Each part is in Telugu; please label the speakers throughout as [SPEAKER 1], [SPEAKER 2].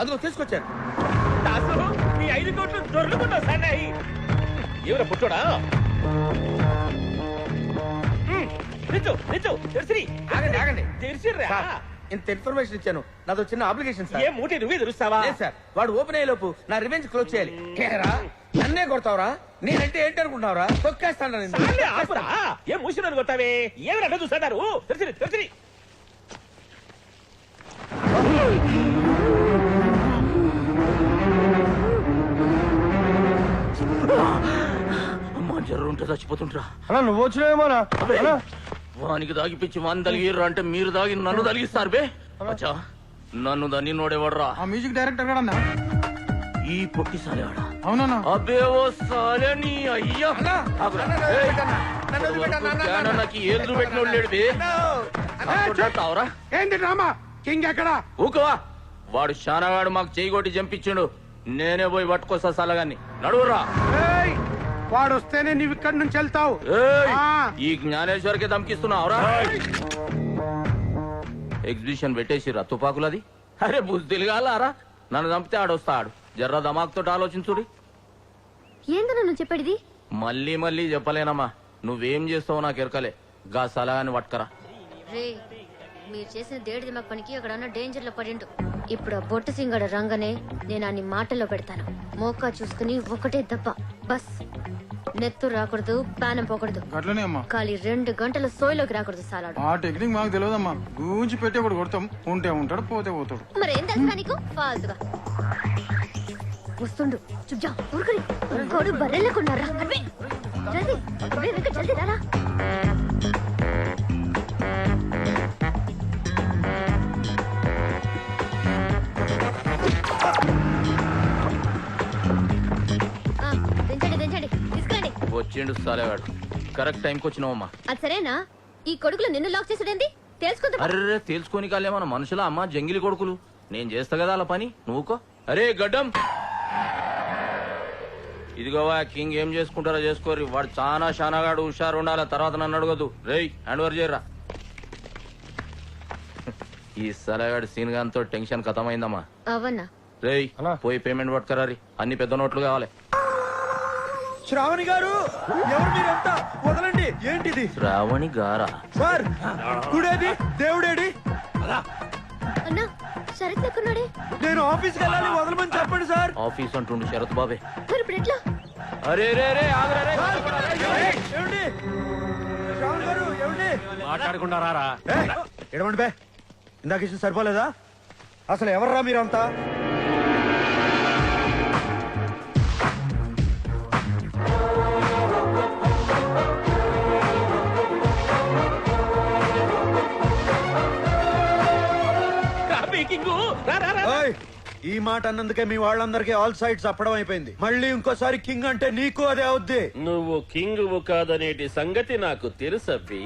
[SPEAKER 1] అదిగో తీసుకొచ్చాను.
[SPEAKER 2] దాసు నీ 5 కోట్లు దొరుకుతున్నావు సన్నాయి. ఎవరా పుట్టోడా? నిజం నిజం తెరిసిరి.
[SPEAKER 1] ఆగండి ఆగండి.
[SPEAKER 2] తెరిసిర్రా.
[SPEAKER 1] ఇంత ఇన్ఫర్మేషన్ ఇచ్చాను, నాది చిన్న అప్లికేషన్ సార్.
[SPEAKER 2] ఏ మూటి నువ్వే తెరుస్తావా?
[SPEAKER 1] లేదు సార్, వాడు ఓపెన్ అయ్యే లోపు నా రివెంజ్ క్లోజ్ చేయాలి. కేరా నన్నే కొడతావరా? నేనంటే ఏంటి అనుకుంటున్నావురా? తొక్కేస్తాను.
[SPEAKER 2] సాలే ఆపురా. ఏ మూసినని కొట్టావే? ఏమి అడ్డ చూస్తున్నారు? తెరిసిరి తెరిసిరి.
[SPEAKER 3] అమ్మా జర్రు ఉంటే చచ్చిపోతుంటరా.
[SPEAKER 4] అలా నువ్వు వచ్చినావేమోనా?
[SPEAKER 3] వానికి దాగిపించి వాని తలిగిర్రు అంటే మీరు దాగి నన్ను తలిగిస్తారు బే. అచ్చా నన్ను దాన్ని నోడేవాడ్రా?
[SPEAKER 4] ఆ మ్యూజిక్ డైరెక్టర్ కూడా
[SPEAKER 3] ఈ పొట్టి సాలేవాడా?
[SPEAKER 4] అవునా?
[SPEAKER 3] అబ్బే ఓ సాలే నీ అయ్యా. నాకు ఏళ్ళు పెట్టినోడు లేడు బే. తావరా
[SPEAKER 4] ఏంటి డ్రామా? కింగ్ ఎక్కడా?
[SPEAKER 3] ఊకవా. వాడు శానగాడు మాకు చేయి కొట్టి చంపించిండు. నేనే పోయి పట్టుకొస్తా సలగాన్ని. నడువురా.
[SPEAKER 4] వాడు వస్తేనే నీవు ఇక్కడి నుంచి వెళ్తావు.
[SPEAKER 3] ఈ జ్ఞానేశ్వర్కి దమ్కిస్తున్నావురా? ఎగ్జిబిషన్ పెట్టేసిరా తుపాకులది. అరే బుద్ధి కాలారా? నన్ను చంపితే ఆడొస్తాడు. జర్ర దమాక్తో ఆలోచించుడి.
[SPEAKER 5] ఏందన్నా నువ్వు చెప్పేది?
[SPEAKER 3] మళ్ళీ మళ్ళీ చెప్పలేనమ్మా. నువ్వేం చేస్తావో నాకు ఎరకలే. గా సలగాని పట్టుకరా.
[SPEAKER 5] రే మీరు చేసిన దేడి దిమాగ్ పనికి అక్కడ డేంజర్ లో పడిండు. ఇప్పుడు ఆ బొట్టు సింగడ రంగనే నేను అన్ని మాటల్లో పెడతాను. మోకా చూసుకుని ఒకటే దెబ్బ బస్. నెత్తు రాకూడదు, పానం పోకూడదు.
[SPEAKER 4] అట్లనే అమ్మా.
[SPEAKER 5] ఖాళీ 2 గంటల సోయిలోకి రాకూడదు సాలాడు.
[SPEAKER 4] ఆ టెక్నిక్ మాకు తెలియదమ్మా. గూంచి పెట్టి ఒకటి కొడతాం. ఉంటే ఉంటాడు, పోతే పోతాడు.
[SPEAKER 5] మరి ఏం తెలుసా నీకు? ఫాల్తుగా వస్తుండు. చుబ్జా ఊరుకుని కోడు బర్రెళ్ళకున్నారా? జల్దీ జల్దీ రారా.
[SPEAKER 3] వచ్చిండు సాలేవాడు. కరెక్ట్ టైంకి వచ్చినావమ్మా.
[SPEAKER 5] అది సరేనా? ఈ కొడుకులు నిన్ను లాక్ చేసుడేంది? తెలుసుకుంటా.
[SPEAKER 3] అరే తెలుసుకొని కాలే మన మనుషుల అమ్మ జంగిలి కొడుకులు. నేను చేస్తా కదా అలా పని. నువ్వుకో. అరే గడ్డం ఇదిగోవా. కింగ్ ఏం చేసుకుంటారో చేసుకోరి. వాడు చాలా శానగాడు, హుషారు ఉండాల. తర్వాత నన్ను అడగదు. రేయ్ హ్యాండ్ ఓవర్ చేయరా. ఈ సలగాడు సీన్ గాంతో టెన్షన్ ఖతమైందమ్మా.
[SPEAKER 5] అవన్నా
[SPEAKER 3] రేయ్ పోయి పేమెంట్ పట్టుకరారి. అన్ని పెద్ద నోట్లు కావాలి.
[SPEAKER 1] శ్రావణి గారు, ఎవరు మీరంతా? వదలండి. ఏంటిది?
[SPEAKER 3] శ్రావణి గారా?
[SPEAKER 1] సార్ గుడేది, దేవుడేడి?
[SPEAKER 5] అన్నా శరత్ లెక్కున్నాడే.
[SPEAKER 1] నేను ఆఫీస్కి వెళ్ళాలి, వదలమని చెప్పండి సార్.
[SPEAKER 3] ఆఫీస్ అంటుండు శరత్ బాబే.
[SPEAKER 5] మరి ఇప్పుడు ఎట్లా?
[SPEAKER 3] అరే రే రే ఆగరా రే.
[SPEAKER 1] ఏమండి శ్రావణి గారు, ఏమండి?
[SPEAKER 2] మాట్లాడకుండా రారా.
[SPEAKER 1] ఎడమండి బే. ఇందాక ఇచ్చిన సరిపోలేదా? అసలు ఎవర్రా మీరంతా? ఈ మాట అన్నందుకే మీ వాళ్ళందరికీ ఆల్ సైడ్స్ అప్పడం అయిపోయింది. మళ్ళీ ఇంకోసారి కింగ్ అంటే నీకు అదే అవుద్ది.
[SPEAKER 2] నువ్వు కింగ్ కాదనేటి సంగతి నాకు తెలుసబ్బి.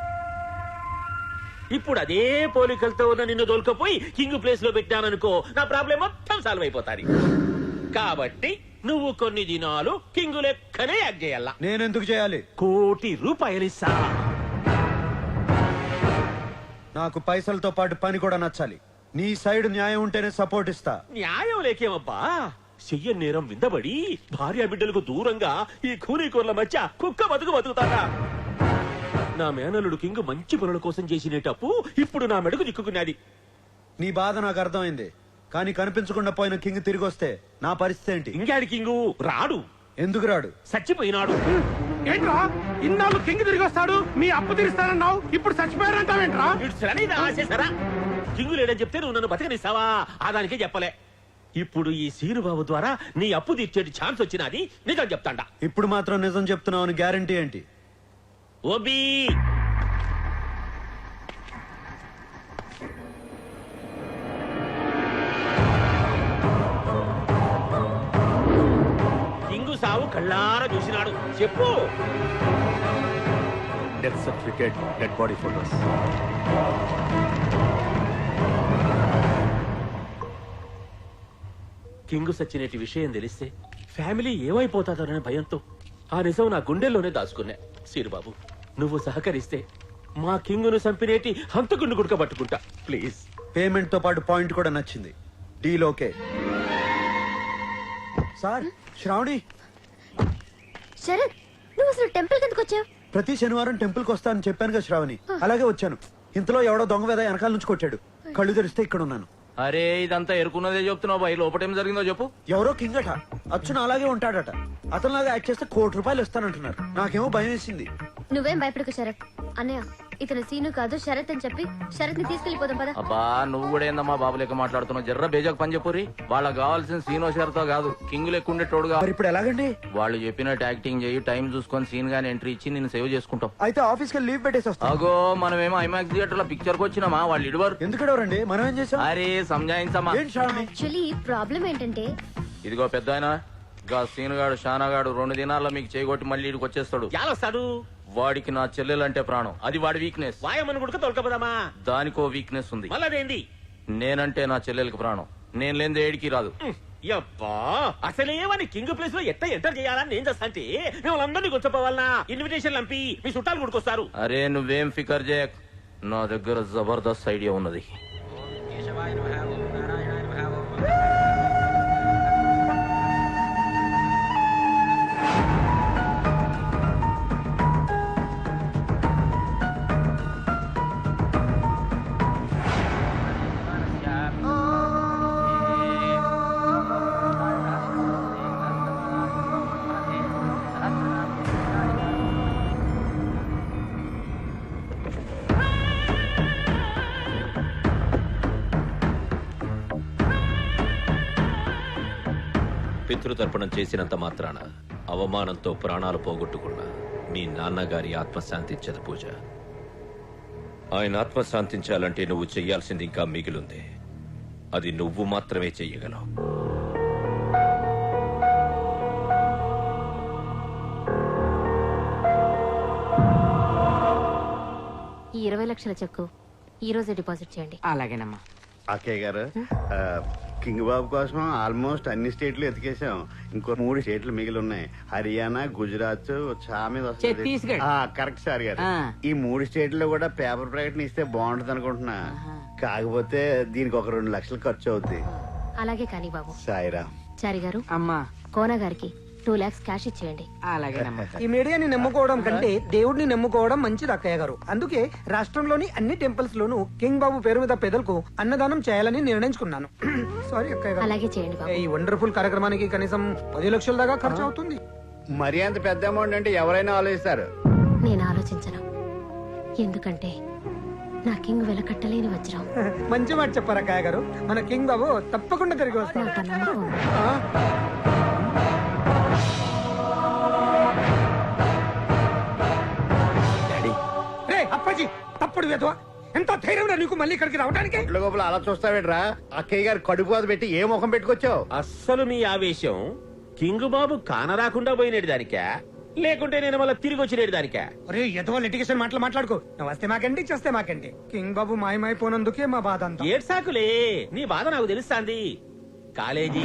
[SPEAKER 2] ఇప్పుడు అదే పోలికలతో ఉన్న నిన్ను దొరకపోయి కింగ్ ప్లేస్ లో పెట్టాననుకో, నా ప్రాబ్లం మొత్తం సాల్వ్ అయిపోతాది. కాబట్టి నువ్వు కొన్ని దినాలు కింగ్ లెక్కనే యాక్ట్ చేయాల.
[SPEAKER 1] నేనెందుకు చేయాలి?
[SPEAKER 2] ₹1 కోటి ఇస్తా.
[SPEAKER 1] నాకు పైసలతో పాటు పని కూడా నచ్చాలి. నీ సైడ్ న్యాయం ఉంటేనే సపోర్ట్ ఇస్తా.
[SPEAKER 2] న్యాయం లేకేమబ్బా? చెయ్య నేరం విందబడి భార్య బిడ్డలకు దూరంగా ఈ కూలీకూర్ల మధ్య కుక్క బతుకుతాడా? నా మేనలుడు కింగ్ మంచి పనుల కోసం చేసినటప్పు ఇప్పుడు నా మెడకు దిక్కుకున్నది.
[SPEAKER 1] నీ బాధ నాకు అర్థమైంది. కానీ కనిపించకుండా పోయిన కింగ్ తిరిగి వస్తే నా పరిస్థితి ఏంటి?
[SPEAKER 2] ఇంగాడి కింగు రాడు.
[SPEAKER 1] ఎందుకు రాడు?
[SPEAKER 2] చచ్చిపోయినాడు.
[SPEAKER 4] ఏంట్రా ఇన్నాళ్ళు కింగ్ తిరిగి వస్తాడు, మీ అప్పు తీరుస్తానన్నావు, ఇప్పుడు చచ్చిపోయారంటావేంట్రా?
[SPEAKER 2] ఆశేసారా? కింగు లేడని చెప్తే నువ్వు నన్ను బతకనిస్తావా? ఆదానికే చెప్పలే. ఇప్పుడు ఈ సీనుబాబు ద్వారా నీ అప్పు తీర్చేటి ఛాన్స్ వచ్చినది. నిజం చెప్తాండా.
[SPEAKER 1] ఇప్పుడు మాత్రం నిజం చెప్తున్నావు అని గ్యారంటీ ఏంటి?
[SPEAKER 2] ఓబీ కింగు సావు కళ్ళారా చూసినాడు. చెప్పు.
[SPEAKER 6] Death certificate, dead body photos.
[SPEAKER 2] King సచ్చినటి విషయం తెలిస్తే ఫ్యామిలీ ఏమైపోతాదోననే భయంతో ఆ నిజం నా గుండెల్లోనే దాచుకున్నా. సీరుబాబు నువ్వు సహకరిస్తే మా కింగును చంపినేటి హంతకుడిని గుడకబట్టుకుంటా. ప్లీజ్.
[SPEAKER 1] పేమెంట్ తో పాటు పాయింట్ కూడా నచ్చింది. Deal okay. Sir Sravani,
[SPEAKER 5] Sarath నువ్వు అసలు టెంపుల్ కిందకు వచ్చావు?
[SPEAKER 1] ప్రతి శనివారం టెంపుల్ కి వస్తానని చెప్పాను కదా శ్రావణి, అలాగే వచ్చాను. ఇంతలో ఎవడో దొంగ వేద వెనకాల నుంచి కొట్టాడు. కళ్ళు తెరిస్తే ఇక్కడ ఉన్నాను.
[SPEAKER 3] అరే ఇదంతా ఎరుకున్నదే చెప్తున్నావు బాయ్, లోపటేం జరిగిందో చెప్పు.
[SPEAKER 1] ఎవరో కింగ్ అట, అచ్చున అలాగే ఉంటాడట. అతనిలాగా యాక్ట్ చేస్తే ₹1,00,00,000 ఇస్తానంటున్నారు. నాకేమో భయం వేసింది.
[SPEAKER 5] నువ్వేం భయపడకు శరత్. అన్నయ్య ఇతను సీను కాదు శరత్ అని చెప్పి శరత్ ని తీసుకెళ్లిపోదాం పదా.
[SPEAKER 3] అబ్బా నువ్వు కూడా ఏందమ్మా బాబు లెక్క మాట్లాడుతున్నావు. జర్ర బేజాకు పని చెప్పురి. వాళ్ళకి కావాల్సిన సీనో షరతో కాదు, కింగ్ లెక్క ఉండేటోడుగా.
[SPEAKER 1] మరి ఇప్పుడు ఎలాగండి?
[SPEAKER 3] వాళ్ళు చెప్పినట్టు యాక్టింగ్ చేయి, టైం చూసుకొని సీన్ గానీ ఎంట్రీ ఇచ్చి నేను సేవ్ చేసుకుంటాం.
[SPEAKER 1] అయితే ఆఫీస్ కి లీవ్ పెట్టేసి వస్తాను.
[SPEAKER 3] అగో మనమేమో ఐమాక్స్ థియేటర్ లో పిక్చర్ కి వచ్చినామా, వాళ్ళు ఇడవరు.
[SPEAKER 1] ఎందుకడవరండి, మనం ఏం చేసాం?
[SPEAKER 3] అరే సంజాయించమ్మా.
[SPEAKER 1] ఏంటి శ్రావణి?
[SPEAKER 5] యాక్చువల్లీ ప్రాబ్లం ఏంటంటే
[SPEAKER 3] ఇదిగో పెద్ద ఆయన గా సీనుగాడు షానాగాడు 2 దినాల్లో మీకు చేయగొట్టి మళ్ళీ ఇడికి వచ్చేస్తాడు.
[SPEAKER 2] యాలొస్తాడు.
[SPEAKER 3] వాడికి నా చెల్లెలంటే ప్రాణం, అది వాడి వీక్నెస్.
[SPEAKER 2] వాయమని గుడక తొలకపోదామా?
[SPEAKER 3] దానికో వీక్నెస్ ఉంది.
[SPEAKER 2] మళ్ళదేంది?
[SPEAKER 3] నేనంటే నా చెల్లెలకి ప్రాణం, నేను లేని ఏడికి రాదు.
[SPEAKER 2] యబ్బా అసలేమని కింగ్ ప్లేస్ లో ఎట్లా ఎంటర్ చేయాలని నేను చేస్తా అంటే మిమ్మల్ని అందరినీ కూర్చోపోవాలనా? ఇన్విటేషన్ లంపి మీ చుట్టాలు గుడికొస్తారు.
[SPEAKER 3] అరే నువ్వేం ఫికర్ చేయక్, నా దగ్గర జబర్దస్త్ ఐడియా ఉన్నది.
[SPEAKER 7] పితృతర్పణం చేసినంత మాత్రాన అవమానంతో ప్రాణాలు పోగొట్టుకున్న మీ నాన్నగారి ఆత్మశాంతించదు పూజ. ఆయన ఆత్మశాంతించాలంటే నువ్వు చెయ్యాల్సింది ఇంకా మిగిలింది. అది నువ్వు మాత్రమే చెయ్యగలవు.
[SPEAKER 5] ఈ 20 లక్షల చెక్కు ఈ రోజే డిపాజిట్ చేయండి.
[SPEAKER 8] అలాగేనమ్మా.
[SPEAKER 9] అక్కయ్య గారు, కింగ్ బాబు కోసం ఆల్మోస్ట్ అన్ని స్టేట్లు ఎతికేసాం. ఇంకో 3 స్టేట్లు మిగిలి ఉన్నాయి. హర్యానా, గుజరాత్,
[SPEAKER 8] ఛత్తీస్గఢ్.
[SPEAKER 9] కరెక్ట్ సార్ గారు.
[SPEAKER 8] ఆ.
[SPEAKER 9] ఈ 3 స్టేట్లో కూడా పేపర్ ప్రకటన ఇస్తే బాగుంటది అనుకుంటున్నా. కాకపోతే దీనికి ఒక 2 లక్షలు ఖర్చు అవుద్ది.
[SPEAKER 5] అలాగే కానీ బాబు.
[SPEAKER 9] సాయిరా.
[SPEAKER 5] చారి గారు
[SPEAKER 8] అమ్మా.
[SPEAKER 5] కోన గారికి 2 lakhs క్యాష్ ఇచ్చేయండి.
[SPEAKER 8] అలాగేనమ్మా. ఈ మీడియాని నమ్ముకోవడం కంటే దేవుడిని నమ్ముకోవడం మంచిది అక్కయ్య గారు. అందుకే రాష్ట్రంలోని అన్ని టెంపుల్స్ లోను కింగ్ బాబు పేరు మీద పేదలకు అన్నదానం చేయాలని నిర్ణయించుకున్నాను. సారీ అక్కయ్య గారు.
[SPEAKER 5] అలాగే చేయండి బాబు.
[SPEAKER 8] ఈ వండర్ఫుల్ కార్యక్రమానికి కనీసం 10 లక్షల దాకా ఖర్చు అవుతుంది.
[SPEAKER 9] మరి అంత పెద్ద అమౌంట్ అంటే ఎవరైనా ఆలోచిస్తారు.
[SPEAKER 5] నేను ఆలోచించను, ఎందుకంటే నా కింగ్ వెలకట్టలేని వజ్రం.
[SPEAKER 8] మంచి మాట చెప్పారు అక్కయ్య గారు. మన కింగ్ బాబు తప్పకుండా తిరిగి వస్తాడు.
[SPEAKER 5] నాకు ఆ నమ్మకం ఉంది.
[SPEAKER 8] రే అప్పాజీ, తప్పుడు వేదవా, ఎంత ధైర్యం నీకు మళ్ళీ ఇక్కడికి రావడానికి?
[SPEAKER 9] ఇంట్లో గోపులు అలా చూస్తావేట్రా? అక్కయ్య గారు కడుపు బాధ పెట్టి ఏ ముఖం పెట్టుకొచ్చావు?
[SPEAKER 2] అస్సలు మీ ఆవేశం కింగ్ బాబు కానరాకుండా పోయినేడు దానికా, లేకుంటే నేను మళ్ళీ తిరిగి వచ్చినేడు దానికా?
[SPEAKER 8] అరే ఎదవో లిటిగేషన్ మాట్లాడుకో. నువ్వు వస్తే మాకండి, చేస్తే మాకండి. కింగ్ బాబు మాయమైపోయినందుకే మా బాధ అంతా.
[SPEAKER 2] ఏడ్సాకులే, నీ బాధ నాకు తెలుస్తాంది. కాలేజీ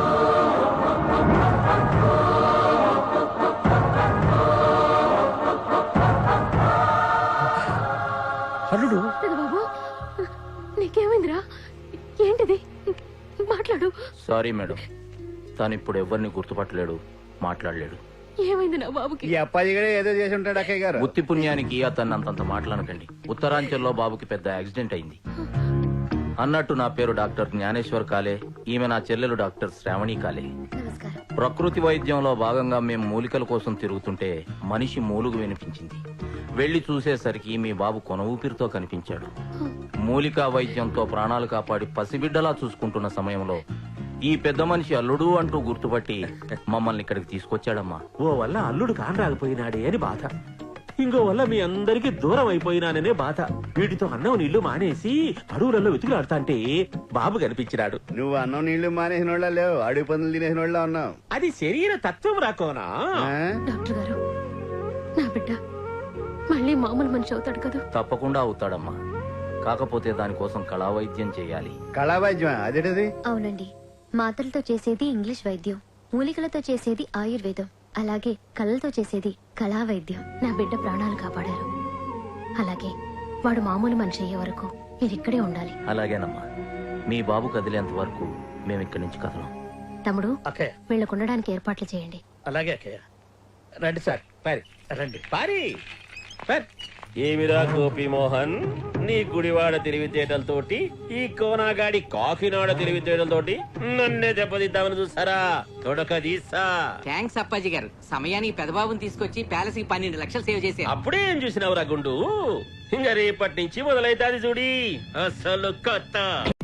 [SPEAKER 7] అల్లుడు
[SPEAKER 5] బాబు నీకేమైందిరా? ఏంటిది? మాట్లాడు.
[SPEAKER 3] సారీ మేడం, తను ఇప్పుడు ఎవరిని గుర్తుపట్టలేడు, మాట్లాడలేడు.
[SPEAKER 5] ఏమైంది నా బాబుకి?
[SPEAKER 9] ఈ అప్పాజీ కూడా ఏదో చేసి ఉంటాడు అక్కయ్య గారు.
[SPEAKER 3] ఉత్తి పుణ్యానికి అతన్ని అంతంత మాట్లాడకండి. ఉత్తరాంచల్లో బాబుకి పెద్ద యాక్సిడెంట్ అయింది. అన్నట్టు నా పేరు డాక్టర్ జ్ఞానేశ్వర్ కాలే, ఈమె నా చెల్లెలు డాక్టర్ శ్రావణి కాలే.
[SPEAKER 5] నమస్కారం.
[SPEAKER 3] ప్రకృతి వైద్యంలో భాగంగా మేము మూలికల కోసం తిరుగుతుంటే మనిషి మూలుగు వినిపించింది. వెళ్లి చూసేసరికి మీ బాబు కొన ఊపిరితో కనిపించాడు. మూలికా వైద్యంతో ప్రాణాలు కాపాడి పసిబిడ్డలా చూసుకుంటున్న సమయంలో ఈ పెద్ద మనిషి అల్లుడు అంటూ గుర్తుపట్టి మమ్మల్ని ఇక్కడికి తీసుకొచ్చాడమ్మా.
[SPEAKER 2] ఓ వల్ల అల్లుడు కానరాకపోయినాడే అని బాధ, ఇంకో వల్ల మీ అందరికి దూరం అయిపోయినాననే బాధ. వీటితో అన్నం నీళ్లు మానేసి అడవులలో వెతుకులాడుతా అంటే బాబు కనిపించినాడు.
[SPEAKER 9] నువ్వు అన్నం నీళ్లు మానేసిన వాళ్ళ లేవు, అడుగు పందులు తినేసిన వాళ్ళ ఉన్నావు.
[SPEAKER 2] అది శరీర తత్వం రాకోనా?
[SPEAKER 5] డాక్టర్ గారు, నా బిడ్డ మళ్ళీ మామూలు మనిషి అవుతాడు కదా?
[SPEAKER 3] తప్పకుండా అవుతాడమ్మా, కాకపోతే దానికోసం కళా వైద్యం చేయాలి.
[SPEAKER 9] కళా వైద్యం అదేటది?
[SPEAKER 5] అవునండి, మాటలతో చేసేది ఇంగ్లీష్ వైద్యం, మూలికలతో చేసేది ఆయుర్వేదం, అలాగే కళ్ళతో చేసేది కళా వైద్యం. నా బిడ్డ ప్రాణాలు కాపాడారు. అలాగే వాడు మామూలు మనిషి అయ్యే వరకు మీరు ఇక్కడే ఉండాలి.
[SPEAKER 3] అలాగేనమ్మా. మీ బాబు కదిలేంత వరకు మేము ఇక్కడి నుంచి కదలం.
[SPEAKER 5] తమ్ముడు,
[SPEAKER 4] అక్కయ్య
[SPEAKER 5] వీళ్ళకు ఉండడానికి ఏర్పాట్లు చేయండి.
[SPEAKER 4] అలాగే అక్కయ్య. రండి సార్,
[SPEAKER 2] పారి
[SPEAKER 4] రండి.
[SPEAKER 2] పారి పారి. ఏమిరా గోపి మోహన్, నీ గుడివాడ తెలివితేటలతోటి ఈ కోనాగాడి కాకినాడ తెలివితేటలతోటి నన్నే దెబ్బతిద్దామని చూసారా? తొడక తీసా.
[SPEAKER 10] థ్యాంక్స్ అప్పాజీ గారు, సమయానికి పెదబాబుని తీసుకొచ్చి ప్యాలెస్ కి 12 లక్షలు సేవ్ చేశారు.
[SPEAKER 2] అప్పుడే ఏం చూసినావురా గుండు? ఇంకా రేపటి నుంచి మొదలైతాది చూడి అసలు కథ.